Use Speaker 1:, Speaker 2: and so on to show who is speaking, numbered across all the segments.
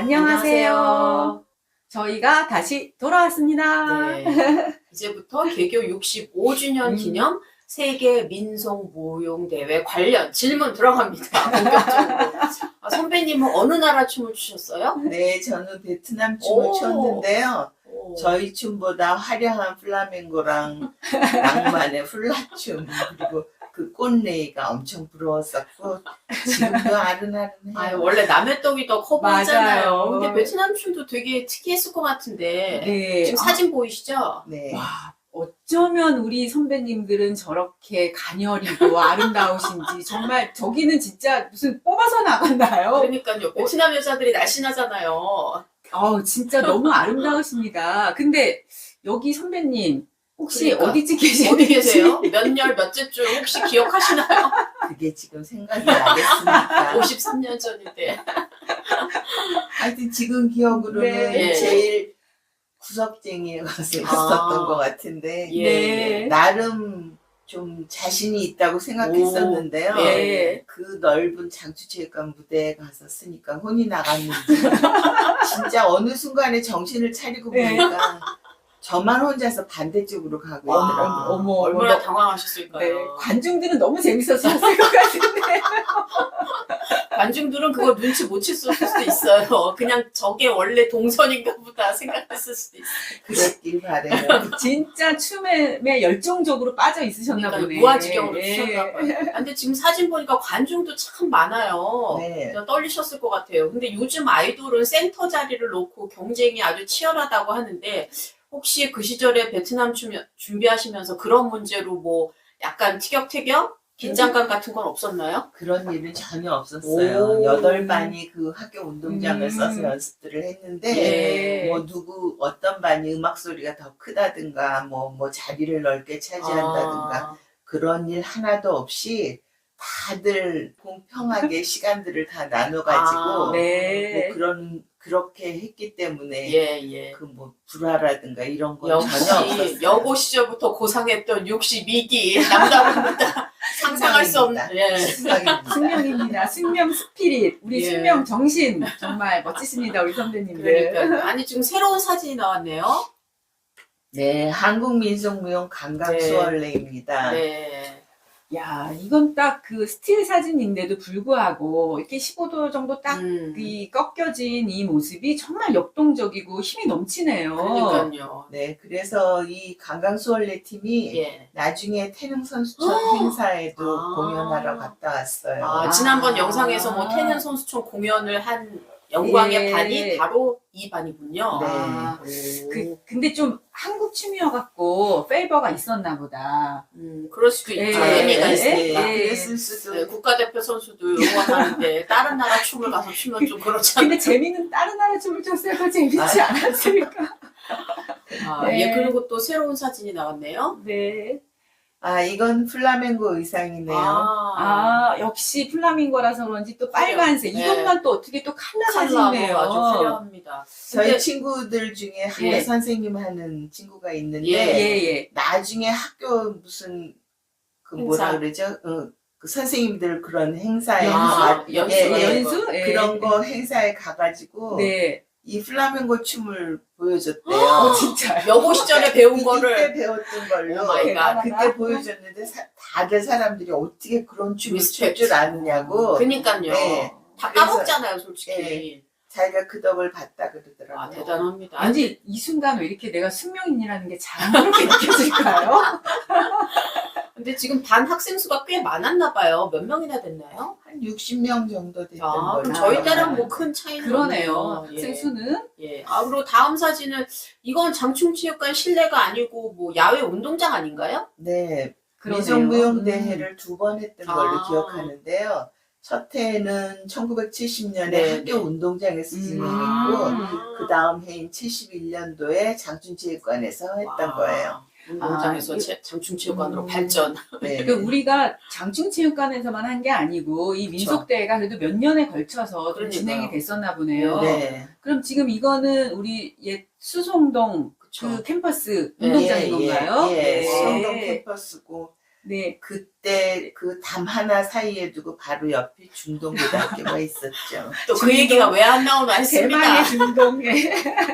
Speaker 1: 안녕하세요. 저희가 다시 돌아왔습니다.
Speaker 2: 네. 이제부터 개교 65주년 기념 세계 민속무용대회 관련 질문 들어갑니다. 본격적으로. 선배님은 어느 나라 춤을 추셨어요?
Speaker 3: 네, 저는 베트남 춤을
Speaker 2: 오.
Speaker 3: 췄는데요.
Speaker 2: 오.
Speaker 3: 저희 춤보다 화려한 플라멩고랑 낭만의 훌라춤 그리고 그 꽃레이가 엄청 부러웠었고 지금도 아른아른해요.
Speaker 2: 원래 남의 떡이 더 커 보이잖아요.
Speaker 1: 맞아요.
Speaker 2: 근데 베트남 춤도 되게 특이했을 것 같은데.
Speaker 1: 네.
Speaker 2: 지금 사진 보이시죠?
Speaker 3: 네.
Speaker 1: 와, 어쩌면 우리 선배님들은 저렇게 가녀리고 아름다우신지 정말 저기는 진짜 무슨 뽑아서 나갔나요?
Speaker 2: 그러니까요. 베트남 여자들이 날씬하잖아요.
Speaker 1: 진짜 너무 아름다우십니다. 근데 여기 선배님 혹시
Speaker 2: 그러니까.
Speaker 1: 어디쯤 계시는지
Speaker 2: 어디 계세요? 몇 년, 몇째 줄 혹시 기억하시나요?
Speaker 3: 그게 지금 생각이 나겠습니까?
Speaker 2: 53년 전인데.
Speaker 3: 하여튼 지금 기억으로는
Speaker 1: 네.
Speaker 3: 제일 구석쟁이가 있었던 것 같은데
Speaker 2: 예.
Speaker 3: 나름 좀 자신이 있다고 생각했었는데요.
Speaker 2: 오.
Speaker 1: 네.
Speaker 3: 그 넓은 장추체육관 무대에 가서 쓰니까 혼이 나갔는지 진짜 어느 순간에 정신을 차리고
Speaker 1: 네.
Speaker 3: 보니까 저만 혼자서 반대쪽으로 가고
Speaker 2: 와.
Speaker 3: 있더라고요.
Speaker 1: 어머,
Speaker 2: 얼마나
Speaker 1: 어머.
Speaker 2: 당황하셨을까요?
Speaker 1: 네, 관중들은 너무 재밌었을 것 같은데.
Speaker 2: 관중들은 그거 눈치 못 챘을 수도 있어요. 그냥 저게 원래 동선인가 보다 생각했을 수도 있어요.
Speaker 3: 그랬길 바래요.
Speaker 1: 진짜 춤에 열정적으로 빠져 있으셨나
Speaker 2: 그러니까
Speaker 1: 보네.
Speaker 2: 무아지경으로
Speaker 1: 예.
Speaker 2: 추셨나 봐요. 근데 지금 사진 보니까 관중도 참 많아요.
Speaker 3: 네.
Speaker 2: 그래서 떨리셨을 것 같아요. 근데 요즘 아이돌은 센터 자리를 놓고 경쟁이 아주 치열하다고 하는데 혹시 그 시절에 베트남 춤 준비하시면서 그런 문제로 뭐 약간 티격태격? 긴장감 같은 건 없었나요?
Speaker 3: 그런 일은 전혀 없었어요.
Speaker 2: 오.
Speaker 3: 8반이 그 학교 운동장을 써서 연습들을 했는데
Speaker 2: 예.
Speaker 3: 뭐 어떤 반이 음악 소리가 더 크다든가 뭐 자리를 넓게 차지한다든가 그런 일 하나도 없이 다들 공평하게 시간들을 다 나눠가지고
Speaker 1: 네.
Speaker 3: 뭐 그렇게 했기 때문에
Speaker 2: 예.
Speaker 3: 그 뭐 불화라든가 이런 건 전혀
Speaker 2: 역시
Speaker 3: 없었어요.
Speaker 2: 여고 시절부터 고상했던 62기 남자분보다 상상할 수 없는
Speaker 3: 승명입니다.
Speaker 1: 승명입니다. 승명 스피릿, 우리
Speaker 2: 예.
Speaker 1: 승명 정신 정말 멋지십니다, 우리 선배님들.
Speaker 2: 그러니까 아니 지금 새로운 사진이 나왔네요.
Speaker 3: 네, 한국민속무용 강강수월래입니다.
Speaker 2: 네.
Speaker 1: 야, 이건 딱 그 스틸 사진인데도 불구하고 이렇게 15도 정도 딱 이 꺾여진 이 모습이 정말 역동적이고 힘이 넘치네요.
Speaker 2: 그러니까요.
Speaker 3: 네, 그래서 이 강강수월래 팀이
Speaker 2: 예.
Speaker 3: 나중에 태릉 선수촌 행사에도
Speaker 2: 아.
Speaker 3: 공연하러 갔다 왔어요.
Speaker 2: 지난번
Speaker 1: 아.
Speaker 2: 영상에서 뭐 태릉 선수촌 공연을 한 영광의
Speaker 1: 예.
Speaker 2: 반이 바로 이 반이군요.
Speaker 3: 네.
Speaker 1: 아,
Speaker 2: 오.
Speaker 1: 근데 좀 한국 춤이어갖고 페이버가 있었나 보다.
Speaker 2: 그럴 수도
Speaker 1: 예.
Speaker 2: 있죠. 의미가
Speaker 1: 예.
Speaker 2: 있으니까.
Speaker 1: 예.
Speaker 3: 그랬을 수도.
Speaker 2: 네, 국가대표 선수도 응원하는데 다른 나라 춤을 가서 추면 좀 그렇잖아요.
Speaker 1: 근데 재미는 다른 나라 춤을 췄어야 더 재밌지 않았을까? 네.
Speaker 2: 예, 그리고 또 새로운 사진이 나왔네요.
Speaker 1: 네.
Speaker 3: 이건 플라멩고 의상이네요.
Speaker 1: 역시 플라밍고라서 그런지 또 빨간색.
Speaker 2: 네.
Speaker 1: 이것만 또 어떻게 또
Speaker 2: 컬러하고
Speaker 1: 칼라지네요.
Speaker 2: 아주 화려합니다.
Speaker 3: 저희
Speaker 2: 근데-
Speaker 3: 친구들 중에 한대
Speaker 1: 예.
Speaker 3: 선생님 하는 친구가 있는데
Speaker 1: 예.
Speaker 3: 나중에 학교 무슨 그 뭐라
Speaker 2: 행사.
Speaker 3: 그러죠? 그 선생님들 그런 행사에
Speaker 2: 연수?
Speaker 1: 연수? 예.
Speaker 3: 그런 거 행사에 가가지고
Speaker 1: 네.
Speaker 3: 이 플라멩고 춤을 보여줬대요.
Speaker 1: 진짜요?
Speaker 2: 여고 시절에 배운
Speaker 3: 그때
Speaker 2: 거를
Speaker 3: 배웠던 걸로
Speaker 2: 오 마이 갓.
Speaker 3: 그때 보여줬는데 다들 사람들이 어떻게 그런 춤을 출
Speaker 2: 리스펙트.
Speaker 3: 줄 아느냐고
Speaker 2: 그러니까요.
Speaker 3: 네.
Speaker 2: 다
Speaker 3: 그래서-
Speaker 2: 까먹잖아요, 솔직히.
Speaker 3: 네. 자기가 그 덕을 봤다 그러더라고요.
Speaker 2: 대단합니다.
Speaker 1: 아니, 이 순간 왜 이렇게 내가 승명인이라는 게 자랑스럽게 느껴질까요?
Speaker 2: 근데 지금 반 학생 수가 꽤 많았나 봐요. 몇 명이나 됐나요?
Speaker 3: 한 60명 정도 됐던
Speaker 2: 그럼
Speaker 3: 걸로.
Speaker 2: 저희 때는
Speaker 3: 알아요.
Speaker 2: 뭐 큰 차이는
Speaker 1: 그러네요.
Speaker 2: 없네요.
Speaker 1: 학생 수는.
Speaker 2: 예. 그리고 다음 사진은 이건 장충체육관 실내가 아니고 뭐 야외 운동장 아닌가요?
Speaker 3: 네,
Speaker 1: 그러네요.
Speaker 3: 민속무용 대회를 2번 했던 걸로
Speaker 2: 아.
Speaker 3: 기억하는데요. 첫 해는 1970년에
Speaker 2: 네,
Speaker 3: 학교
Speaker 2: 네.
Speaker 3: 운동장에서 진행했고 그 다음 해인 71년도에 장춘체육관에서 했던 거예요.
Speaker 2: 운동장에서 장충체육관으로 발전.
Speaker 3: 네.
Speaker 1: 그러니까 우리가 장충체육관에서만 한 게 아니고 이 민속대회가 그래도 몇 년에 걸쳐서 좀
Speaker 2: 그러니까요.
Speaker 1: 진행이 됐었나 보네요.
Speaker 3: 네.
Speaker 1: 그럼 지금 이거는 우리 옛 수송동
Speaker 2: 그쵸.
Speaker 1: 그 캠퍼스
Speaker 2: 네,
Speaker 1: 운동장인 건가요?
Speaker 3: 예,
Speaker 1: 네.
Speaker 3: 수성동 캠퍼스고
Speaker 1: 네.
Speaker 3: 그때 그 담 하나 사이에 두고 바로 옆에 중동고등학교가 있었죠.
Speaker 2: 또 그
Speaker 1: 중동?
Speaker 2: 얘기가 왜 안 나오나 했습니다.
Speaker 1: 대망의 중동에.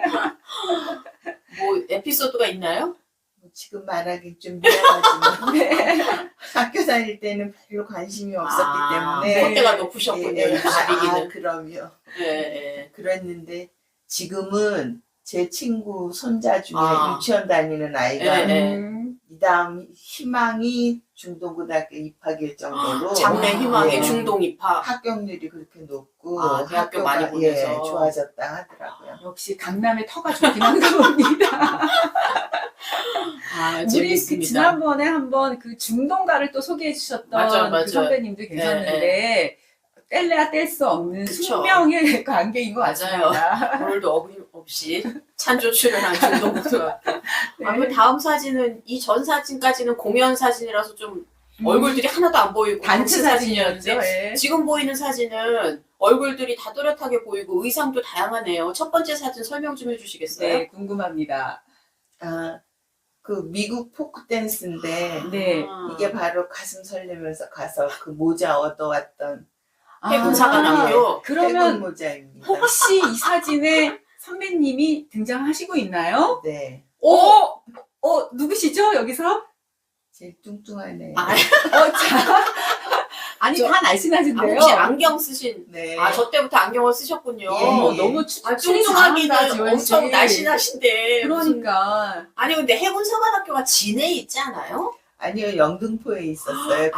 Speaker 2: 뭐 에피소드가 있나요?
Speaker 3: 지금 말하기 좀 미안하지만
Speaker 1: 네.
Speaker 3: 학교 다닐 때는 별로 관심이 없었기 때문에
Speaker 2: 콧대가 높으셨군요.
Speaker 3: 예, 예.
Speaker 2: 입시비기는.
Speaker 3: 그럼요.
Speaker 2: 예, 예.
Speaker 3: 그랬는데 지금은 제 친구 손자 중에
Speaker 2: 아.
Speaker 3: 유치원 다니는 아이가
Speaker 2: 예.
Speaker 3: 이 다음 희망이 중동고등학교 입학일 정도로
Speaker 2: 장래 희망의
Speaker 3: 예,
Speaker 2: 중동 입학.
Speaker 3: 합격률이 그렇게 높고
Speaker 2: 아, 대학교 많이
Speaker 3: 학교가,
Speaker 2: 보내서.
Speaker 3: 좋아졌다 하더라고요.
Speaker 1: 역시 강남의 터가 좋긴 한가 봅니다.
Speaker 2: 아,
Speaker 1: 우리 그
Speaker 2: 재밌습니다.
Speaker 1: 지난번에 한번 그 중동가를 또 소개해 주셨던
Speaker 2: 맞아요.
Speaker 1: 그 선배님도 계셨는데 뗄래야 뗄 수 없는
Speaker 2: 그쵸.
Speaker 1: 숙명의 관계인 것
Speaker 2: 맞아요.
Speaker 1: 같습니다.
Speaker 2: 오늘도 어김없이 찬조 출연한 중동고등학교.
Speaker 1: 네.
Speaker 2: 아, 그 다음 사진은 이 전 사진까지는 공연 사진이라서 좀 얼굴들이 하나도 안 보이고
Speaker 1: 단체
Speaker 2: 사진이었는데
Speaker 1: 사진이었는데 예.
Speaker 2: 지금 보이는 사진은 얼굴들이 다 또렷하게 보이고 의상도 다양하네요. 첫 번째 사진 설명 좀 해주시겠어요?
Speaker 1: 네, 궁금합니다.
Speaker 3: 그 미국 포크 댄스인데
Speaker 1: 네.
Speaker 3: 이게 바로 가슴 설레면서 가서 그 모자 얻어왔던
Speaker 2: 해군사관학교.
Speaker 3: 해군
Speaker 1: 그러면
Speaker 3: 모자입니다.
Speaker 1: 혹시 이 사진에 선배님이 등장하시고 있나요?
Speaker 3: 네,
Speaker 1: 누구시죠, 여기서?
Speaker 3: 제일 뚱뚱하네요.
Speaker 2: 아,
Speaker 1: 자. 아니, 다 날씬하신데요?
Speaker 2: 혹시 안경 쓰신?
Speaker 3: 네.
Speaker 2: 아, 저 때부터 안경을 쓰셨군요.
Speaker 3: 예, 예.
Speaker 1: 너무
Speaker 2: 뚱뚱하기는
Speaker 1: 잘한다, 지원 씨.
Speaker 2: 엄청 날씬하신데. 무슨-
Speaker 1: 그러니까.
Speaker 2: 아니, 근데 해군사관학교가 진해에 있지 않아요?
Speaker 3: 아니요, 영등포에 있었어요, 그때는.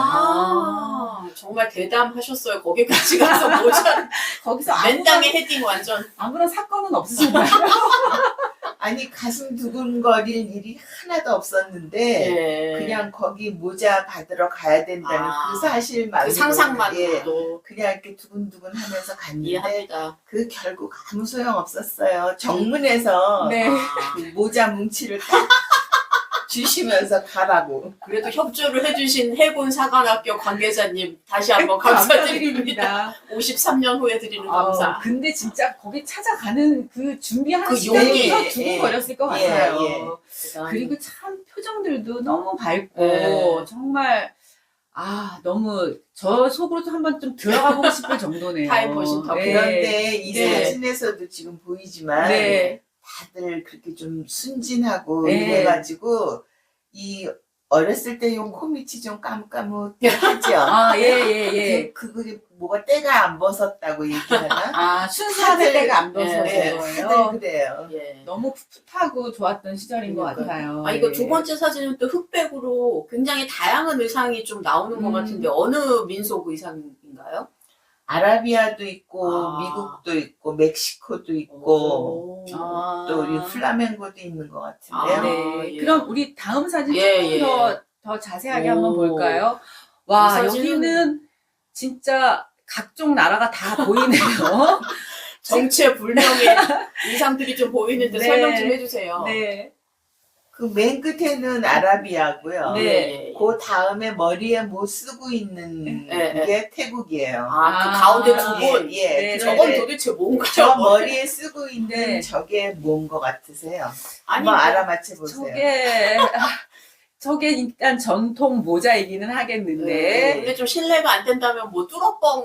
Speaker 2: 정말 대담하셨어요. 거기까지 가서 모자
Speaker 1: 거기서
Speaker 2: 맨땅에 헤딩 완전.
Speaker 1: 아무런 사건은 없으셨나요?
Speaker 3: 아니, 가슴 두근거릴 일이 하나도 없었는데,
Speaker 2: 예.
Speaker 3: 그냥 거기 모자 받으러 가야 된다는
Speaker 2: 아,
Speaker 3: 그 사실만.
Speaker 2: 그 상상만으로도
Speaker 3: 그냥 이렇게 두근두근 하면서 갔는데,
Speaker 2: 이해합니다.
Speaker 3: 그 결국 아무 소용 없었어요. 정문에서
Speaker 1: 네.
Speaker 2: 아,
Speaker 3: 그 모자 뭉치를 딱 주시면서 가라고.
Speaker 2: 그래도 협조를 해주신 해군사관학교 관계자님 다시 한번 감사드립니다. 53년 후에 드리는 감사.
Speaker 1: 근데 진짜 거기 찾아가는 그 준비하는
Speaker 2: 그
Speaker 1: 시간부터
Speaker 3: 용기,
Speaker 1: 두근거렸을 것
Speaker 3: 예,
Speaker 1: 같아요.
Speaker 3: 예.
Speaker 1: 그리고 참 표정들도 너무 밝고
Speaker 2: 예.
Speaker 1: 정말 너무 저 속으로도 한번 좀 들어가 보고 싶을 정도네요.
Speaker 2: 타임머신 더
Speaker 3: 그런데 이
Speaker 1: 네.
Speaker 3: 사진에서도 지금 보이지만,
Speaker 1: 네.
Speaker 3: 다들 그렇게 좀 순진하고
Speaker 1: 네.
Speaker 3: 이래가지고 이 어렸을 때 요 코밑이 좀 까뭇까뭇하죠.
Speaker 1: 예.
Speaker 3: 그게 뭐가 때가 안 벗었다고 얘기하나?
Speaker 1: 순수할
Speaker 3: 다들-
Speaker 1: 때가 안 벗어진
Speaker 3: 네,
Speaker 1: 거예요.
Speaker 3: 다들 그래요.
Speaker 2: 예.
Speaker 1: 너무 풋풋하고 좋았던 시절인 것
Speaker 2: 그러니까요.
Speaker 1: 같아요.
Speaker 2: 아, 이거
Speaker 1: 예.
Speaker 2: 두 번째 사진은 또 흑백으로 굉장히 다양한 의상이 좀 나오는 것 같은데 어느 민속 의상인가요?
Speaker 3: 아라비아도 있고
Speaker 2: 아.
Speaker 3: 미국도 있고 멕시코도 있고 또 이 플라멩고도 있는 것 같은데요.
Speaker 2: 아,
Speaker 1: 네.
Speaker 2: 예.
Speaker 1: 그럼 우리 다음 사진
Speaker 2: 예,
Speaker 1: 조금
Speaker 2: 예.
Speaker 1: 더 자세하게
Speaker 2: 오.
Speaker 1: 한번 볼까요? 와,
Speaker 2: 이 사진은-
Speaker 1: 여기는 진짜 각종 나라가 다 보이네요.
Speaker 2: 정체불명의 의상들이 좀 보이는데
Speaker 1: 네.
Speaker 2: 설명 좀 해주세요.
Speaker 1: 네.
Speaker 3: 그 맨 끝에는 아라비아고요.
Speaker 1: 네.
Speaker 3: 그 다음에 머리에 뭐 쓰고 있는
Speaker 2: 네,
Speaker 3: 게 태국이에요.
Speaker 2: 아, 그 가운데 두 분.
Speaker 3: 예,
Speaker 1: 네,
Speaker 2: 저건
Speaker 1: 네.
Speaker 2: 도대체 뭔가요?
Speaker 3: 저 머리에 쓰고 있는
Speaker 1: 네.
Speaker 3: 저게 뭔 것 같으세요?
Speaker 2: 아니,
Speaker 3: 한번
Speaker 2: 뭐,
Speaker 3: 알아맞혀 보세요.
Speaker 1: 저게 일단 전통 모자이기는 하겠는데.
Speaker 2: 네. 근데 좀 신뢰가 안 된다면 뭐 뚫어뻥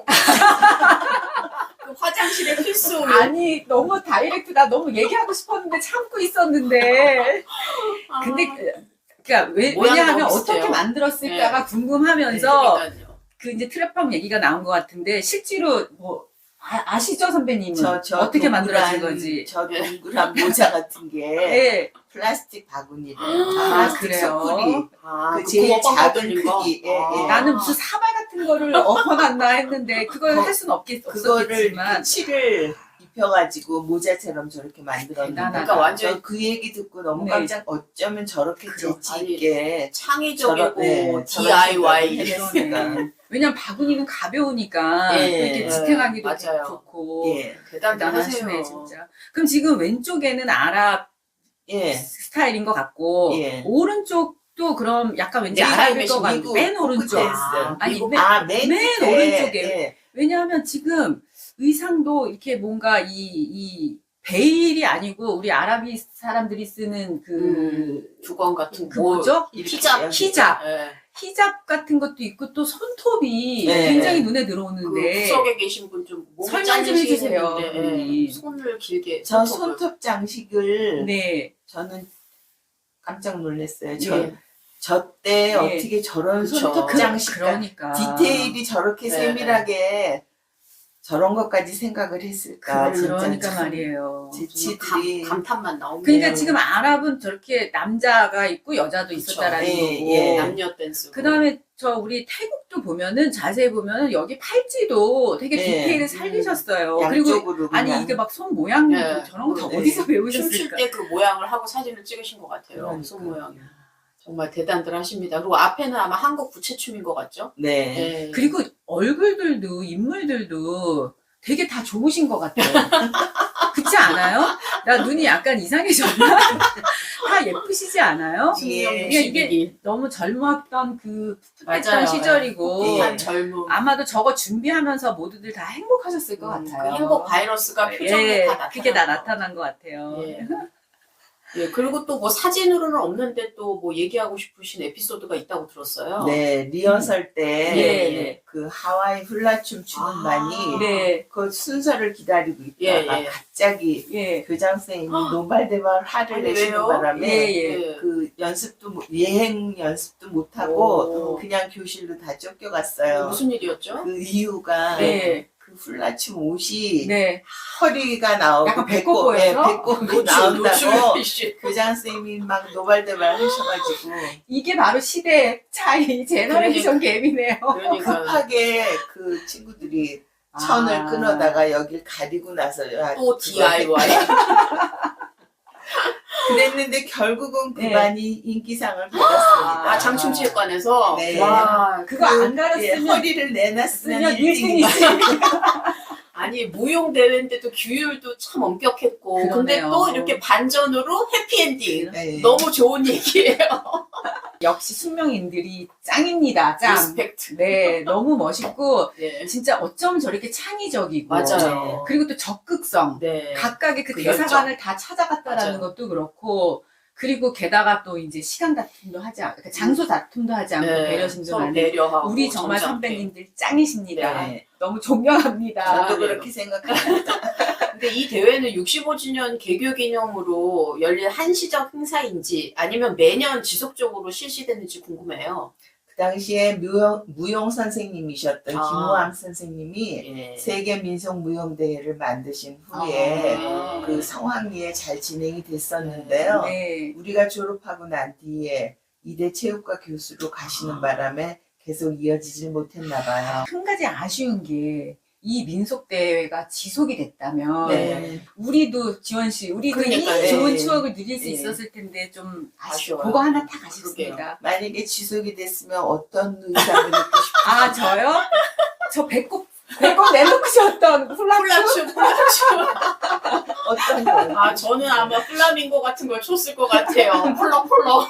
Speaker 2: 그 화장실에 필수
Speaker 1: 아니, 너무 다이렉트다. 너무 얘기하고 싶었는데 참고 있었는데.
Speaker 2: 아,
Speaker 1: 근데 그러니까
Speaker 2: 모양이
Speaker 1: 왜냐하면
Speaker 2: 너무 비슷해요.
Speaker 1: 어떻게 만들었을까가
Speaker 2: 네.
Speaker 1: 궁금하면서
Speaker 2: 그러니까요.
Speaker 1: 그 이제 트랩팜 얘기가 나온 것 같은데 실제로 뭐 아시죠, 선배님은?
Speaker 3: 저
Speaker 1: 어떻게
Speaker 3: 동그란-
Speaker 1: 만들어진 건지.
Speaker 3: 저 동그란 모자 같은 게
Speaker 1: 네.
Speaker 3: 플라스틱 바구니래요.
Speaker 1: 아,
Speaker 3: 플라스틱
Speaker 1: 그래요?
Speaker 3: 소쿠리.
Speaker 2: 아,
Speaker 3: 그 제일
Speaker 2: 구멍
Speaker 3: 작은
Speaker 2: 뚫린 거?
Speaker 3: 크기. 예, 예.
Speaker 1: 나는 무슨 사발 같은 거를 엎어놨나 했는데 그걸
Speaker 3: 거-
Speaker 1: 할 수는
Speaker 3: 그거를
Speaker 1: 없겠지만
Speaker 3: 칠을 입혀가지고 모자처럼 저렇게 만들었는데.
Speaker 1: 대단하다.
Speaker 2: 그러니까 완전
Speaker 3: 저 그 얘기 듣고 너무
Speaker 1: 네.
Speaker 3: 깜짝 어쩌면 저렇게
Speaker 1: 그죠.
Speaker 3: 재치 있게
Speaker 2: 창의적이고
Speaker 3: 저런
Speaker 2: DIY
Speaker 3: 생각을
Speaker 1: 그러네. 왜냐면 바구니는 가벼우니까
Speaker 3: 예,
Speaker 1: 이렇게
Speaker 3: 예,
Speaker 1: 지탱하기도
Speaker 2: 맞아요.
Speaker 1: 좋고
Speaker 3: 예,
Speaker 1: 대단하시네
Speaker 2: 대단하세요.
Speaker 1: 진짜. 그럼 지금 왼쪽에는 아랍
Speaker 3: 예,
Speaker 1: 스타일인 것 같고
Speaker 3: 예.
Speaker 1: 오른쪽도 그럼 약간 왠지
Speaker 2: 네,
Speaker 1: 아랍일 것
Speaker 3: 미국
Speaker 1: 같고 맨 오른쪽.
Speaker 3: 포크 댄스.
Speaker 1: 아니,
Speaker 3: 미국-
Speaker 1: 맨-
Speaker 3: 맨
Speaker 1: 맨
Speaker 3: 끝에,
Speaker 1: 오른쪽에.
Speaker 3: 예.
Speaker 1: 왜냐하면 지금 의상도 이렇게 뭔가 이 베일이 아니고 우리 아랍이 사람들이 쓰는 그
Speaker 2: 두건 같은
Speaker 1: 그 뭐죠?
Speaker 2: 히잡.
Speaker 1: 히잡.
Speaker 2: 예.
Speaker 1: 히잡 같은 것도 있고 또 손톱이
Speaker 3: 네.
Speaker 1: 굉장히 눈에
Speaker 2: 그
Speaker 1: 들어오는데
Speaker 2: 구석에 계신 분 좀 몸이
Speaker 1: 설명 좀 해주세요.
Speaker 2: 잘리시는데 손을 길게
Speaker 3: 저
Speaker 2: 손톱을.
Speaker 3: 손톱 장식을
Speaker 1: 네.
Speaker 3: 저는 깜짝 놀랐어요.
Speaker 2: 예.
Speaker 3: 저 때
Speaker 1: 예.
Speaker 3: 어떻게 저런
Speaker 2: 그쵸.
Speaker 3: 손톱 장식
Speaker 1: 그러니까
Speaker 3: 디테일이 저렇게
Speaker 2: 네.
Speaker 3: 세밀하게 저런 것까지 생각을 했을까.
Speaker 1: 그러니까
Speaker 3: 진짜 참
Speaker 1: 말이에요.
Speaker 3: 지치들이
Speaker 2: 감탄만 나옵니다.
Speaker 1: 그러니까 지금 아랍은 저렇게 남자가 있고 여자도
Speaker 2: 그쵸.
Speaker 1: 있었다라는
Speaker 3: 예,
Speaker 1: 거고.
Speaker 3: 예.
Speaker 2: 남녀 댄스.
Speaker 1: 그다음에 저 우리 태국도 보면은 자세히 보면은 여기 팔찌도 되게
Speaker 3: 예.
Speaker 1: 디테일을 살리셨어요. 그리고
Speaker 3: 양쪽으로
Speaker 1: 아니
Speaker 3: 그냥.
Speaker 1: 이게 막 손 모양도
Speaker 2: 예.
Speaker 1: 저런 거 다
Speaker 3: 네.
Speaker 1: 어디서
Speaker 2: 춤출
Speaker 1: 배우셨을까?
Speaker 2: 때 그 모양을 하고 사진을 찍으신 것 같아요.
Speaker 3: 그러니까.
Speaker 2: 손 모양이. 정말 대단들 하십니다. 그리고 앞에는 아마 한국 부채춤인 것 같죠?
Speaker 3: 네.
Speaker 2: 예.
Speaker 1: 그리고 얼굴들도 인물들도 되게 다 좋으신 것 같아요. 그렇지 않아요? 나 눈이 약간 이상해졌나? 다 예쁘시지 않아요?
Speaker 3: 예.
Speaker 1: 이게 너무 젊었던 그
Speaker 2: 맞아요.
Speaker 1: 풋풋했던 시절이고
Speaker 3: 예.
Speaker 2: 한 젊음.
Speaker 1: 아마도 저거 준비하면서 모두들 다 행복하셨을 것
Speaker 2: 그
Speaker 1: 같아요.
Speaker 2: 행복 바이러스가 표정에
Speaker 1: 예,
Speaker 2: 다 나타나.
Speaker 1: 그게 다 나타난 것 같아요.
Speaker 2: 예. 예, 그리고 또 뭐 사진으로는 없는데 또 뭐 얘기하고 싶으신 에피소드가 있다고 들었어요.
Speaker 3: 네, 리허설 때
Speaker 1: 예,
Speaker 3: 그 하와이 훌라춤 추는
Speaker 2: 아.
Speaker 3: 반이
Speaker 1: 네,
Speaker 3: 그 순서를 기다리고 있다가
Speaker 2: 예, 예.
Speaker 3: 갑자기
Speaker 1: 예,
Speaker 3: 교장 선생님이 노발대발 화를
Speaker 2: 아니,
Speaker 3: 내시는
Speaker 2: 왜요?
Speaker 3: 바람에
Speaker 1: 예.
Speaker 3: 그 연습도 예행 연습도 못
Speaker 2: 오.
Speaker 3: 하고 그냥 교실로 다 쫓겨갔어요.
Speaker 2: 무슨 일이었죠?
Speaker 3: 그 이유가
Speaker 1: 네,
Speaker 3: 그 훌라춤 옷이
Speaker 1: 네.
Speaker 3: 허리가 나오고
Speaker 1: 약간 배꼽 보여서?
Speaker 3: 배꼽이 나온다고
Speaker 2: 노출
Speaker 3: 교장 선생님이 막 노발대발 하셔가지고
Speaker 1: 이게 바로 시대의 차이, 제너레이션 갭이네요.
Speaker 2: 그러니까
Speaker 3: 급하게 그 친구들이 천을 끊어다가 여길 가리고 나서야
Speaker 2: 또
Speaker 3: 그걸
Speaker 2: DIY.
Speaker 3: 그랬는데 결국은 그
Speaker 1: 네.
Speaker 3: 반이 인기상을 받았습니다.
Speaker 2: 아, 장충체육관에서?
Speaker 3: 네.
Speaker 2: 와,
Speaker 1: 그거 안
Speaker 3: 예,
Speaker 1: 가렸으면
Speaker 3: 허리를 내놨으면
Speaker 1: 그냥
Speaker 3: 1등이지.
Speaker 1: 1등이지.
Speaker 2: 아니, 무용대회인데도 규율도 참 엄격했고, 근데
Speaker 1: 그러네요.
Speaker 2: 또 이렇게 반전으로 해피엔딩.
Speaker 3: 네.
Speaker 2: 너무 좋은 얘기예요.
Speaker 1: 역시 숙명인들이 짱입니다. 짱.
Speaker 2: 리스펙트.
Speaker 1: 네, 너무 멋있고
Speaker 2: 네.
Speaker 1: 진짜 어쩜 저렇게 창의적이고
Speaker 2: 맞아요.
Speaker 1: 그리고 또 적극성.
Speaker 2: 네.
Speaker 1: 각각의 그
Speaker 2: 그
Speaker 1: 대사관을 다 찾아갔다라는
Speaker 2: 맞아요.
Speaker 1: 것도 그렇고 그리고 게다가 또 이제 시간 다툼도 하지 않고 그러니까 장소 다툼도 하지 않고 배려심도
Speaker 2: 서로
Speaker 1: 많은
Speaker 2: 배려하고.
Speaker 1: 우리 정말
Speaker 2: 점잖게.
Speaker 1: 선배님들 짱이십니다.
Speaker 3: 네.
Speaker 1: 너무 존경합니다.
Speaker 3: 저도 그렇게 생각합니다.
Speaker 2: 근데 이 대회는 65주년 개교 기념으로 열릴 한시적 행사인지 아니면 매년 지속적으로 실시되는지 궁금해요.
Speaker 3: 그 당시에 무용 선생님이셨던
Speaker 2: 아.
Speaker 3: 김호암 선생님이
Speaker 2: 예.
Speaker 3: 세계 민속 무용 대회를 만드신 후에
Speaker 2: 아.
Speaker 3: 그 성황리에 잘 진행이 됐었는데요.
Speaker 1: 네.
Speaker 3: 우리가 졸업하고 난 뒤에 이대 체육과 교수로 가시는 바람에 계속 이어지질 못했나 봐요.
Speaker 1: 한 가지 아쉬운 게 이 민속대회가 지속이 됐다면
Speaker 3: 네.
Speaker 1: 우리도 지원 씨, 우리도
Speaker 2: 그러니까요.
Speaker 1: 이 좋은
Speaker 3: 네.
Speaker 1: 추억을 누릴 수
Speaker 3: 네.
Speaker 1: 있었을 텐데 좀
Speaker 2: 아쉬워요.
Speaker 1: 그거 하나 딱 아쉽습니다.
Speaker 3: 만약에 지속이 됐으면 어떤 의상을 입고 싶으세요?
Speaker 1: 아 저요? 저 배꼽 내놓고 셨던 훌라춤.
Speaker 2: 플라춤.
Speaker 3: 어떤 거?
Speaker 2: 아, 저는 아마 플라밍고 같은 걸 췄을 것 같아요. 펄럭펄럭.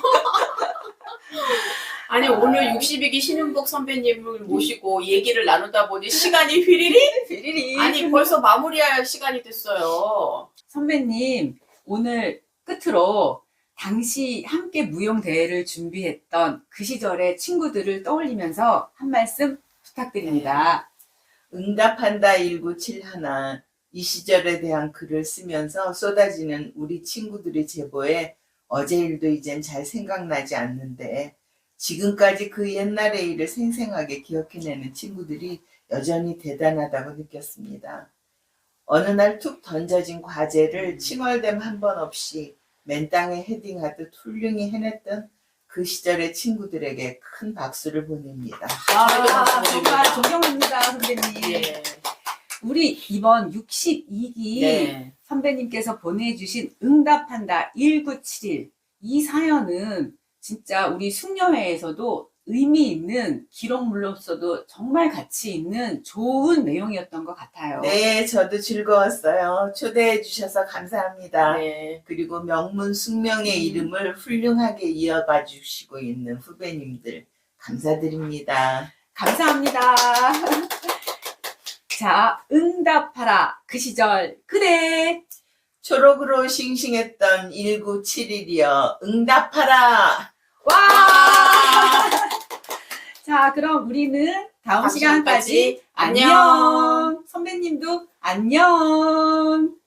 Speaker 2: 아니, 오늘 62기 신윤복 선배님을 모시고 얘기를 나누다 보니 시간이 휘리리? 아니, 벌써 마무리할 시간이 됐어요.
Speaker 1: 선배님 오늘 끝으로 당시 함께 무용 대회를 준비했던 그 시절의 친구들을 떠올리면서 한 말씀 부탁드립니다.
Speaker 3: 응답한다 1971. 이 시절에 대한 글을 쓰면서 쏟아지는 우리 친구들의 제보에 어제 일도 이젠 잘 생각나지 않는데 지금까지 그 옛날의 일을 생생하게 기억해내는 친구들이 여전히 대단하다고 느꼈습니다. 어느 날 툭 던져진 과제를 칭얼댐 한 번 없이 맨 땅에 헤딩하듯 훌륭히 해냈던 그 시절의 친구들에게 큰 박수를 보냅니다.
Speaker 1: 아, 정말 존경합니다 선배님.
Speaker 2: 예.
Speaker 1: 우리 이번 62기
Speaker 2: 네.
Speaker 1: 선배님께서 보내주신 응답한다 1971 이 사연은 진짜 우리 숙녀회에서도 의미 있는 기록물로서도 정말 가치 있는 좋은 내용이었던 것 같아요.
Speaker 3: 네, 저도 즐거웠어요. 초대해 주셔서 감사합니다.
Speaker 2: 네.
Speaker 3: 그리고 명문 숙명의 이름을 훌륭하게 이어가 주시고 있는 후배님들 감사드립니다.
Speaker 1: 감사합니다. 자, 응답하라. 그 시절 그래.
Speaker 3: 초록으로 싱싱했던 1971이여 응답하라.
Speaker 1: 와! 자, 그럼 우리는 다음
Speaker 2: 다음
Speaker 1: 시간까지
Speaker 2: 시간까지
Speaker 1: 안녕. 선배님도 안녕.